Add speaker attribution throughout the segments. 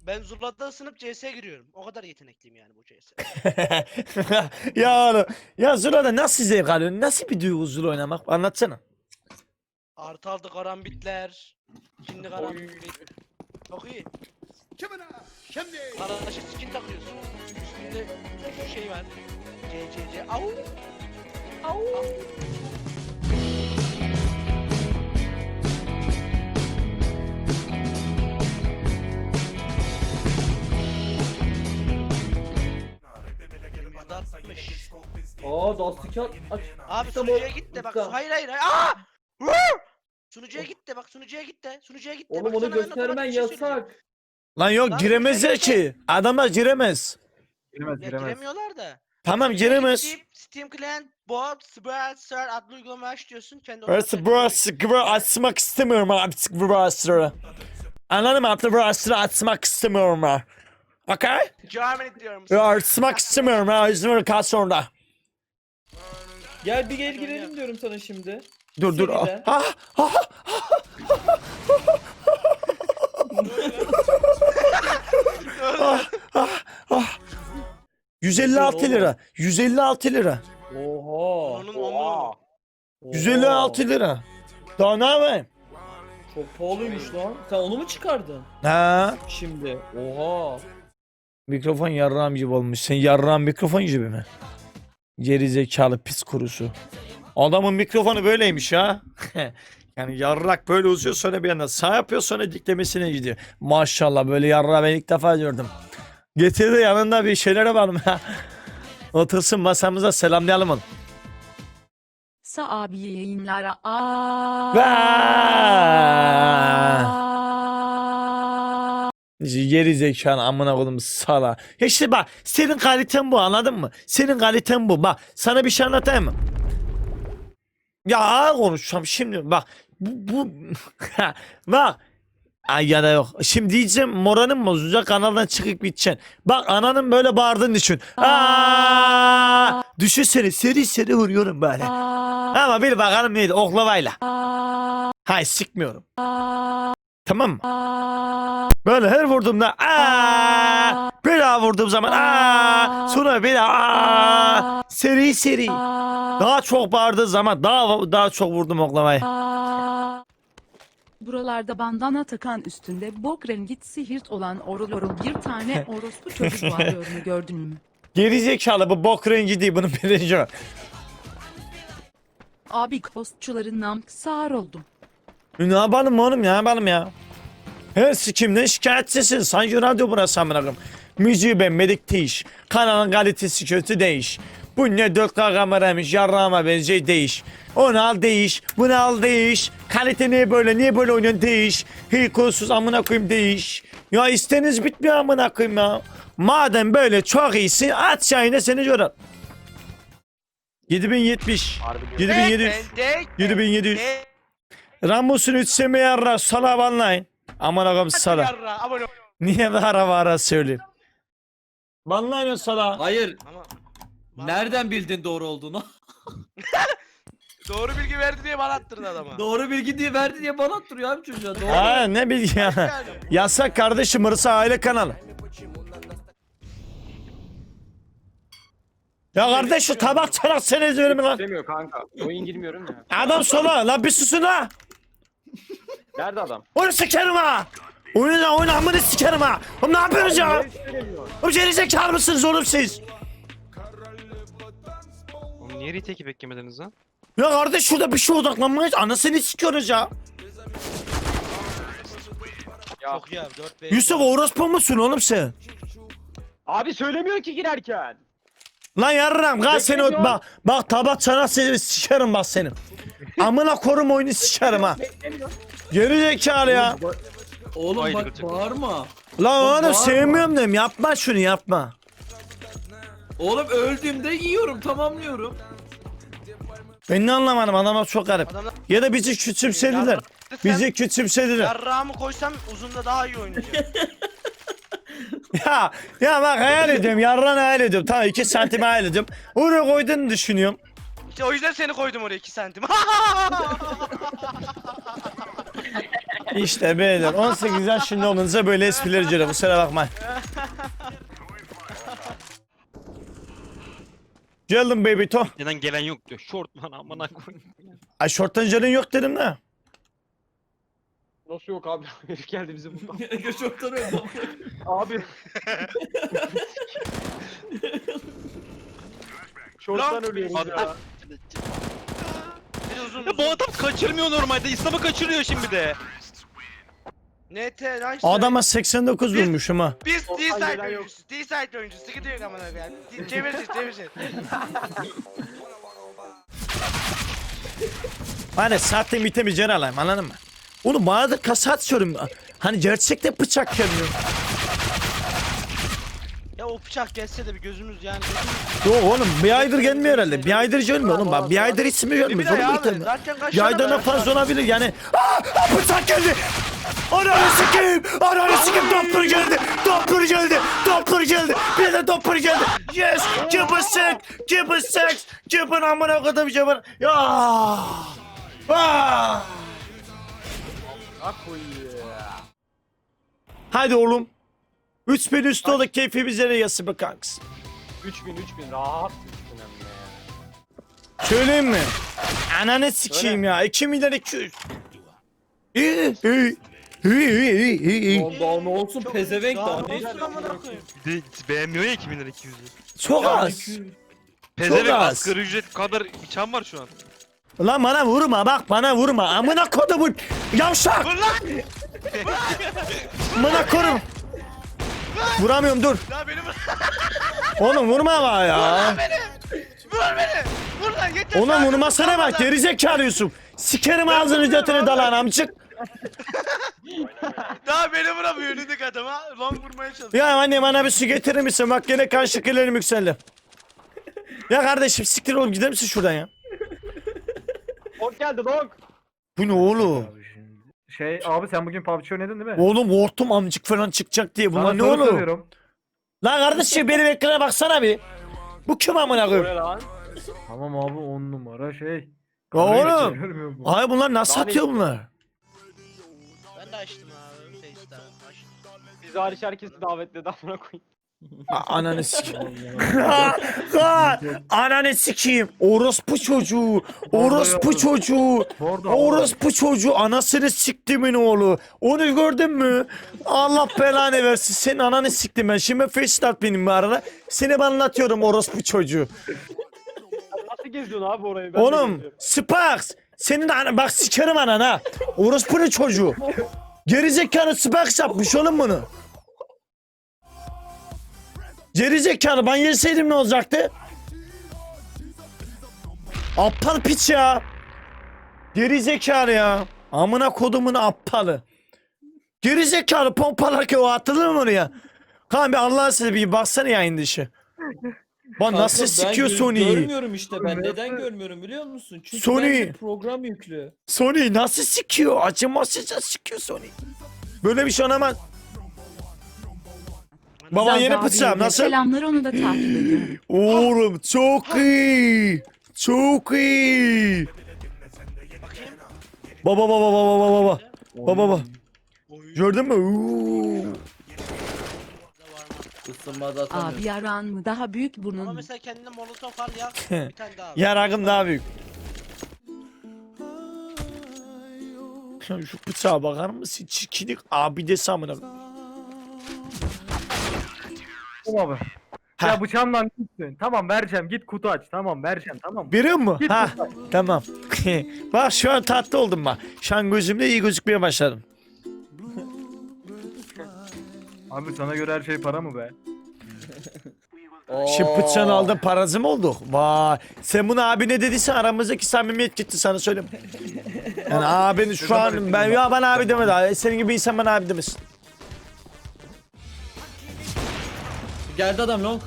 Speaker 1: Ben Zula'da ısınıp CS'ye giriyorum. O kadar yetenekliyim yani bu CS.
Speaker 2: Ya oğlum. Ya Zula'da nasıl zevk alıyorsun? Nasıl bir duygu Zula oynamak? Anlatsana.
Speaker 1: Artı aldı karambitler. Şimdi karambit. Çok iyi. Arkadaşa skin takıyorsun. Üstünde şu şey var. CCC. Au. Au. Atmış.
Speaker 3: Aa Dusty aç.
Speaker 1: Abi
Speaker 3: İşte bu-
Speaker 1: sunucuya git de bak.
Speaker 3: Usta.
Speaker 1: Hayır hayır hayır. Aa! Vur! Sunucuya git de bak, sunucuya git de. Sunucuya git de.
Speaker 3: Oğlum
Speaker 1: bak,
Speaker 3: onu
Speaker 1: sana ben
Speaker 3: göstermen
Speaker 1: otomatik bir şey söyleyeceğim.
Speaker 3: yasak.
Speaker 2: Lan yok
Speaker 1: Lan
Speaker 2: giremezler
Speaker 1: sunucuya git
Speaker 2: ki. Adamlar giremez.
Speaker 4: Giremez
Speaker 1: Ya
Speaker 4: giremez.
Speaker 1: giremiyorlar da.
Speaker 2: Tamam
Speaker 1: Sunucuya
Speaker 2: giremez.
Speaker 1: gidip Steam Client, Bot, Spreadshirt adlı uygulamayı aç diyorsun. Kendi
Speaker 2: Burası
Speaker 1: otomatik
Speaker 2: burası gibi açmak istemiyorum artık burası. Anladın mı? Artık burası açmak istemiyorum ha. Okay?
Speaker 1: Germany diyorum.
Speaker 2: Ya açmak istemiyorum ha. İzmir kaç sonra.
Speaker 3: Gel bir gel girelim diyorum sana şimdi.
Speaker 2: Dur dur.
Speaker 3: Seriden.
Speaker 2: Ah, ah, ah. 156 lira. 156 lira.
Speaker 3: Oha.
Speaker 1: Onun onu.
Speaker 2: 156 lira. Daha ne yapayım?
Speaker 3: Çok pahalıymış lan. Sen onu mu çıkardın?
Speaker 2: Ha?
Speaker 3: Şimdi. Oha.
Speaker 2: Mikrofon yarrağım gibi olmuş. Sen yarrağın mikrofon gibi mi? Geri zekalı pis kurusu. Adamın mikrofonu böyleymiş ha. Yani yarrak böyle uzuyor, sonra bir yandan sağ yapıyor, sonra diklemesine gidiyor. Maşallah, böyle yarrağı ben ilk defa gördüm. Getirdi yanında bir şeylere var mı? Otursun masamıza, selamlayalım onu.
Speaker 5: Sa abi yayınlara.
Speaker 2: Geri zekalı amına koydum sala. İşte bak, senin kaliten bu, anladın mı? Senin kaliten bu. Bak sana bir şey anlatayım mı? Ya ağır konuşacağım şimdi, bak. Bu bak. Ay ya da yok. Şimdi diyeceğim moranın bozacak, kanaldan çıkıp gideceksin. Bak ananın böyle bağırdığını düşün. Düşünsene, seri vuruyorum böyle. Ama bir bakalım neydi, oklavayla. Hay sikmiyorum. Tamam mı? Böyle her vurduğumda bir daha vurduğum zaman sonra bir daha seri. Daha çok bağırdığı zaman daha çok vurdum oklavayı.
Speaker 5: Buralarda bandana takan, üstünde bok rengi sihirt olan orul bir tane orospu çocuğu varlığını gördün mü?
Speaker 2: Gerizekalı, bu bok rengi değil, bunun birinci.
Speaker 5: Abi kostçularından sağır oldum.
Speaker 2: Ne yapalım oğlum, ne yapalım ya? Her sikimden şikayetçisin. Sanki radyo burası amına koyayım. Müziği beğenmedik değiş. Kanalın kalitesi kötü değiş. Bu ne 4K kameraymış, yarrağıma benziyor değiş. Onu al değiş, bunu al değiş. Kalite niye böyle oynuyorsun değiş. Hikolsuz amına koyayım değiş. Ya isteniz bitmiyor amına koyayım ya. Madem böyle çok iyisin, aç yayına seni görür. 7070, 7700, 7700. Ramos'un 3 seme yarra sala banlayın. Aman ağam sala.
Speaker 1: Yarra, abone ol.
Speaker 2: Niye bağıra söyleyeyim. Banlayın o sala.
Speaker 3: Hayır.
Speaker 1: Ama
Speaker 3: Nereden bildin doğru olduğunu?
Speaker 1: doğru bilgi verdi diye bana attırdı adama.
Speaker 3: Doğru bilgi diye verdi diye bana attırıyor abi çocuğa. Doğru.
Speaker 2: Ha ne bilgi ya.
Speaker 1: Yani.
Speaker 2: Yasak kardeşim, burası aile kanalı. Ya kardeş şu tabak çanak seni izliyorum lan.
Speaker 4: Demiyor kanka. Oyun girmiyorum ya.
Speaker 2: Adam sola lan, bir susun ha.
Speaker 4: Nerede adam?
Speaker 2: Onu sikerim ha. Oyunu amını sikerim ha. Oğlum ne yapıyorsunuz ya? Oğlum gerizekalı mısınız oğlum siz?
Speaker 6: Oğlum niye retake beklemediniz lan?
Speaker 2: Ya kardeş şurada bir şey odaklanmayız. Anasını sikiyoruz ya.
Speaker 4: Ya.
Speaker 1: Çok iyi abi, 4
Speaker 2: Yusuf orospu musun oğlum sen?
Speaker 4: Abi söylemiyor ki girerken.
Speaker 2: Lan yarram gel seni
Speaker 4: Beklemiyor.
Speaker 2: bak tabak çanak seni sikerim bak senin. Amına korum oyunu sikerim ha. Geri zekalı ya.
Speaker 3: Oğlum
Speaker 6: Haydi
Speaker 3: bak
Speaker 6: gıcık.
Speaker 3: bağırma.
Speaker 2: Lan oğlum
Speaker 3: bağırma.
Speaker 2: sevmiyorum diyorum, yapma şunu yapma.
Speaker 3: Oğlum öldüğümde yiyorum tamamlıyorum.
Speaker 2: Ben ne anlamadım, adamlar çok garip.
Speaker 1: Adamlar
Speaker 2: Ya da bizi küçümsediler. Bizi küçümsediler.
Speaker 1: yarrağımı koysam uzunda daha iyi oynayacağım.
Speaker 2: Ya bak hayal ediyorum, yarran hayal ediyorum. Tamam 2 santim hayal ediyorum. Oraya koyduğunu düşünüyorum.
Speaker 1: İşte o yüzden seni koydum oraya 2 santim.
Speaker 2: İşte beyler 18 yaşında olunca böyle espriler ediyor. Kusura bakma. Geldim baby to.
Speaker 6: Neden gelen yok diyor. Short lan amına koyayım.
Speaker 2: Ay şorttan canın yok dedim de.
Speaker 4: Nasıl yok abi? Herif geldi bize buradan.
Speaker 3: Göçoktan öldüm.
Speaker 4: Abi. Şorttan ölüyoruz ya.
Speaker 1: Bir uzun
Speaker 6: Ya bu adam kaçırmıyor normalde. İslam'ı kaçırıyor şimdi de.
Speaker 1: NT lan
Speaker 2: Adama 89 vurmuşum ha.
Speaker 1: Biz
Speaker 4: Oradan
Speaker 1: D-side
Speaker 4: gelen yok.
Speaker 1: oyuncusu. D-side oyuncusu. Sıkıntı yok amına koyayım. Çevirsin.
Speaker 2: Hani saatte bitemeyeceğini alayım anladın mı? Oğlum bana da kasa atıyorum. Hani gerçekten bıçak gelmiyor.
Speaker 1: Ya o bıçak gelse de bir gözümüz yani.
Speaker 2: Yok oğlum bir aydır gelmiyor herhalde. Bir aydır gelmiyor oğlum bak. Bir aydır ismi gelmiyor.
Speaker 1: Bir
Speaker 2: Zorun
Speaker 1: de
Speaker 2: değil
Speaker 1: abi
Speaker 2: mi?
Speaker 1: zaten kaç
Speaker 2: Bir aydan da fazla olabilir yani. Bıçak geldi. Ananı sikeyim. Ananı sikeyim. Doppler geldi. Bir de doppler geldi. Yes. Cıbı seks. Cıbın amına kodum cıbın. Ya. Hadi oğlum. 3000 üstü olduk keyfimiz yere yası be kanks.
Speaker 4: 3000 rahat 3000 hem de ya.
Speaker 2: Söyleyeyim mi? Ananı sikeyim ya. 2 milyar 200. İyi.
Speaker 3: Daha ne olsun pezevenk daha ne
Speaker 1: Ne
Speaker 3: istiyorsun?
Speaker 1: amına koyayım?
Speaker 6: Bir de beğenmiyor ya 2000 lira 200'ü.
Speaker 2: Çok az.
Speaker 6: Pezevenk
Speaker 2: az.
Speaker 6: asgari ücret kadar bıçağım var şu an.
Speaker 2: Lan bana vurma bak bana vurma. Amına kodumun yavşak.
Speaker 1: Vur lan!
Speaker 2: Amına kodum. Vuramıyorum dur.
Speaker 1: Ya beni vur!
Speaker 2: Oğlum vurma bana ya.
Speaker 1: Vur beni! Vur lan yeter!
Speaker 2: Oğlum
Speaker 1: Sadece
Speaker 2: vurmasana
Speaker 1: vurma
Speaker 2: bak
Speaker 1: lan.
Speaker 2: gerizekalı Yusuf. Sikerim ağzını götünü dalan amcık.
Speaker 1: Daha beni vuramıyor önündeki adama. Long vurmaya çalışıyor.
Speaker 2: Ya anne bana bir su getirir misin? Bak gene kan şekerlerim yükseldi. Ya kardeşim siktir oğlum gider misin şuradan ya?
Speaker 4: Long geldi long.
Speaker 2: Bu ne oğlum?
Speaker 7: Şey abi sen bugün PUBG oynadın değil mi?
Speaker 2: Oğlum hortum amcık falan çıkacak diye bunlar
Speaker 7: Sana
Speaker 2: ne
Speaker 7: soru
Speaker 2: oğlum?
Speaker 7: soruyorum.
Speaker 2: Lan kardeşim benim ekrana baksana bir. Bu kim amına
Speaker 4: O ne
Speaker 2: koyayım?
Speaker 4: lan?
Speaker 7: Tamam abi 10 numara şey.
Speaker 2: Ya oğlum.
Speaker 7: Görmüyor musun?
Speaker 2: Ay bunlar nasıl
Speaker 4: Daha ne
Speaker 2: atıyor bunlar?
Speaker 1: Ben de açtım abi. Face'ten açtım.
Speaker 4: Biz hariç herkesi davetledi amına koyayım.
Speaker 2: Ananı sikeyim. Ananı sikeyim. Orospu çocuğu. Orospu çocuğu.
Speaker 7: Bu arada
Speaker 2: Orospu çocuğu. Anasını siktimin oğlu. Onu gördün mü? Allah belanı versin. Senin ananı siktim ben. Şimdi FaceTime benim bu arada. Seni ben anlatıyorum orospu çocuğu.
Speaker 4: Nasıl geziyorsun abi orayı? Ben de
Speaker 2: Oğlum
Speaker 4: geziyorum.
Speaker 2: Sparks. Senin ana bak sikerim anana. Orospu'nun çocuğu. Gerizekalı Sparks yapmış oğlum bunu. Gerizekalı ben yeseydim ne olacaktı? Aptal piç ya. Gerizekalı ya. Amına kodumun aptalı. Gerizekalı pompalarken o atılır mı oraya? Kaan bir Allah'ın size bir baksana yayın dışı. Bak nasıl
Speaker 3: Kanka, ben
Speaker 2: sikiyor Sony'yi.
Speaker 3: Görmüyorum işte ben neden görmüyorum biliyor musun? Çünkü
Speaker 2: Sony.
Speaker 3: bende program yüklü.
Speaker 2: Sony nasıl sikiyor? Acımasızca sikiyor Sony. Böyle bir şey olamaz. Baban
Speaker 5: Zaza
Speaker 2: yeni
Speaker 5: abiye
Speaker 2: bıçağım
Speaker 5: de
Speaker 2: nasıl?
Speaker 5: Selamlar onu da takip ediyorum.
Speaker 2: Oğlum çok iyi. Çok iyi.
Speaker 1: Bakayım.
Speaker 2: Baba baba baba baba baba. Baba baba.
Speaker 1: Oy.
Speaker 2: Gördün mü? Uuu.
Speaker 1: Da var mı?
Speaker 3: Isınmada atamıyorum.
Speaker 5: Abi yaran mı daha büyük
Speaker 1: Ama
Speaker 5: burnun.
Speaker 1: mesela kendine molotof al yak. Bir tane daha.
Speaker 2: Yaragım daha büyük. Ya şu bıçağa bakar mısın? Çirkinlik abi de samına.
Speaker 7: Tamam abi.
Speaker 2: Ha.
Speaker 7: Ya bıçağımdan gitsin. Tamam vereceğim git kutu aç. Tamam vereceğim tamam.
Speaker 2: Biliyor musun?
Speaker 7: Git
Speaker 2: Ha
Speaker 7: kutu aç.
Speaker 2: tamam. Bak şu an tatlı oldum bak. Şu an gözümde iyi gözükmeye başladım.
Speaker 7: Abi sana göre her şey para mı be?
Speaker 2: Şimdi bıçağını aldın parası mı olduk? Vay. Sen bunu abine dediysen aramızdaki samimiyet gitti sana söyleyeyim. Yani abin şu an ben ya ben abi demedi. Abi. Senin gibi insan bana abi demesin.
Speaker 3: Geldi adam long.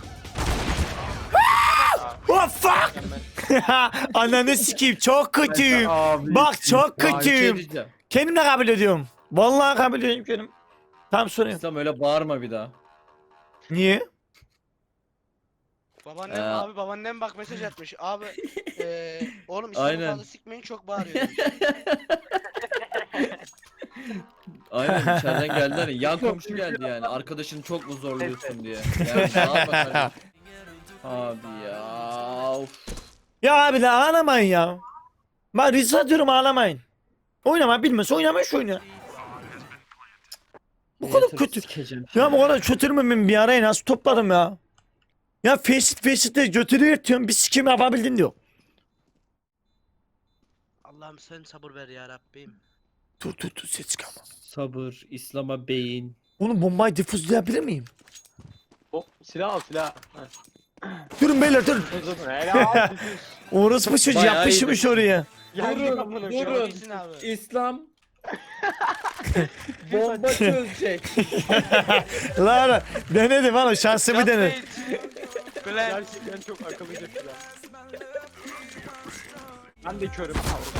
Speaker 2: Oh fuck! Ananı sikeyim çok kötüyüm.
Speaker 7: Abi.
Speaker 2: Bak çok
Speaker 3: Ya, bir şey
Speaker 2: kötüyüm.
Speaker 3: diyeceğim.
Speaker 2: Kendim de kabul ediyorum. Vallahi kabul ediyorum kendim. Tam soruyorum.
Speaker 3: İslam öyle bağırma bir daha.
Speaker 2: Niye?
Speaker 1: Babaannem abi babaannem bak mesaj atmış. Abi oğlum
Speaker 3: Aynen.
Speaker 1: İstanbul'da sikmeyin çok bağırıyor.
Speaker 3: Aynen içeriden geldiler ya. Yan komşu geldi yani. Arkadaşını çok mu zorluyorsun diye. Yani ne yapalım? Abi ya. Of.
Speaker 2: Ya abi la ağlamayın ya. Ben rica ediyorum ağlamayın. Oynama bilmez oynama şu oyunu. Bu kadar kötü.
Speaker 3: Sikeceğim.
Speaker 2: Ya bu kadar kötürmemin bir arayı nasıl topladım ya. Ya Faceit'te götürüyor diyorum bir sikim yapabildin diyor.
Speaker 1: Allah'ım sen sabır ver ya Rabbim.
Speaker 2: Dur ses çıkarma.
Speaker 3: Sabır, İslam'a beyin.
Speaker 2: Oğlum bombayı difuzlayabilir miyim?
Speaker 4: O silah al silah.
Speaker 2: Durun beyler durun.
Speaker 4: Helal.
Speaker 2: Orospu çocuğu
Speaker 3: Bayağı
Speaker 2: yapışmış oraya.
Speaker 3: Durun.
Speaker 1: İyisin abi.
Speaker 3: İslam bomba çözecek.
Speaker 2: Lan denedim oğlum şansımı denedim.
Speaker 1: Glen.
Speaker 4: Gerçekten çok akıllıca silah. Ben de körüm.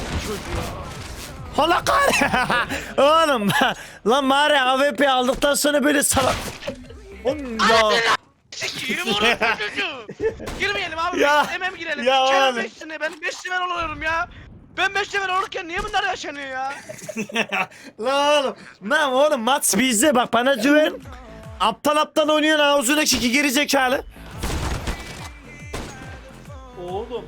Speaker 2: Hala oğlum lan bari AWP aldıktan sonra böyle salak. Oğlum ya.
Speaker 1: Sikiyim orası çocuğu. Girmeyelim abi.
Speaker 2: Ya,
Speaker 1: Hemen girelim.
Speaker 2: ya
Speaker 1: Kerem
Speaker 2: oğlum.
Speaker 1: 5 sene ben 5 sefer oluyorum ya. Ben 5 sefer olurken niye bunlar yaşanıyor ya?
Speaker 2: Lan oğlum. Lan oğlum maç bizde bak bana güven. Aptal oynuyorsun ağzındaki iki geri zekalı.
Speaker 3: Oğlum.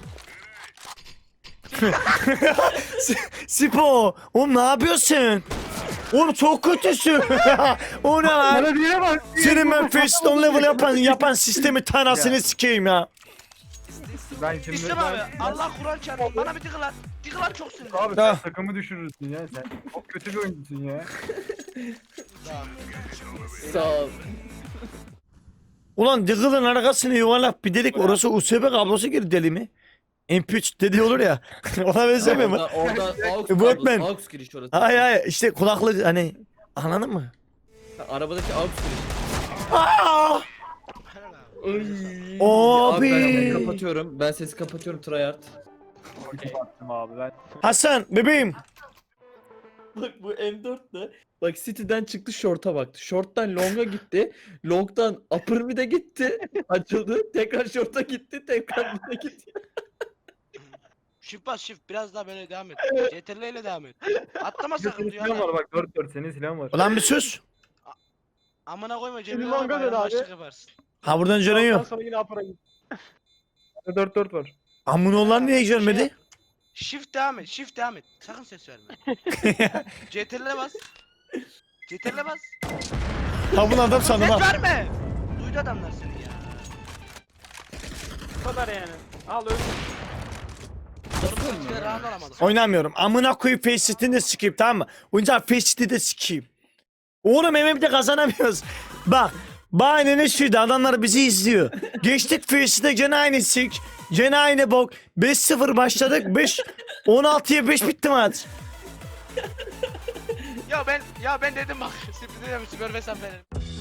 Speaker 2: Sipo. Oğlum ne yapıyorsun? Oğlum çok kötüsün. O ne lan?
Speaker 7: Bana diye bak.
Speaker 2: Senin ben first on level yapan sistemi tanasını sikeyim ya.
Speaker 7: Ben şimdi
Speaker 1: İstem abi Allah Kur'an çarpın bana bir tıkılar. Tıkılar çok sinirli.
Speaker 7: Abi
Speaker 2: Ha.
Speaker 7: sen takımı düşürürsün ya sen. Çok kötü bir oyuncusun ya.
Speaker 3: Sağ ol.
Speaker 2: Ulan Diggle'ın arkasını yuvarlak bir dedik orası USB kablosu girdi deli mi? MP3 dedi olur ya. Ona benzemiyor mu?
Speaker 3: Oradan aux
Speaker 2: Batman.
Speaker 3: kablosu, aux giriş orası.
Speaker 2: Hayır işte kulaklık hani anladın mı?
Speaker 3: Arabadaki aux giriş.
Speaker 2: Aa!
Speaker 3: Abi ben
Speaker 2: Abi.
Speaker 3: sesi kapatıyorum. Ben sesi kapatıyorum tryhard.
Speaker 7: Baktım abi ben.
Speaker 2: Hasan bebeğim.
Speaker 3: Bak bu M4 de. Bak City'den çıktı short'a baktı. Short'tan long'a gitti. Long'dan upper mid'e gitti. Açıldı. Tekrar short'a gitti. Tekrar mid'e gitti.
Speaker 1: Shift bas shift biraz daha böyle devam et. CTRL ile devam et. Atlama
Speaker 7: Senin
Speaker 1: sakın diyor
Speaker 7: silahın var
Speaker 1: adam.
Speaker 7: bak 4-4 senin silahın var.
Speaker 2: Ulan bir sus.
Speaker 1: Amına koyma
Speaker 4: Senin
Speaker 1: cebine
Speaker 4: manga
Speaker 1: koyma
Speaker 4: dön abi.
Speaker 1: başlık yaparsın.
Speaker 2: Ha buradan canın
Speaker 4: Ondan
Speaker 2: yok.
Speaker 4: sonra yine apara git.
Speaker 7: 4-4 var.
Speaker 2: Amın olan niye görmedi?
Speaker 1: Shift devam et shift devam et. Sakın ses verme. CTRL'e bas. CTRL'e bas.
Speaker 2: Ha bunu adam sandım
Speaker 1: Ses
Speaker 2: ha.
Speaker 1: verme. Duydu adamlar seni ya.
Speaker 4: Bu kadar yani. Al öl.
Speaker 1: Doğru rahat alamadık.
Speaker 2: Oynamıyorum. Amına koyup Faceit'ini de sikeyim tamam mı? Oyuncak Faceit'i de sikeyim. Oğlum MM'de kazanamıyoruz. Bak. Bahanenin şuydu adamlar bizi izliyor. Geçtik Faceit'e gene aynı sik. Gene aynı bok. 5-0 başladık. 16'ya 5 bitti maç.
Speaker 1: Ya ben dedim bak. Sürpriz dedim süper mesaf verelim.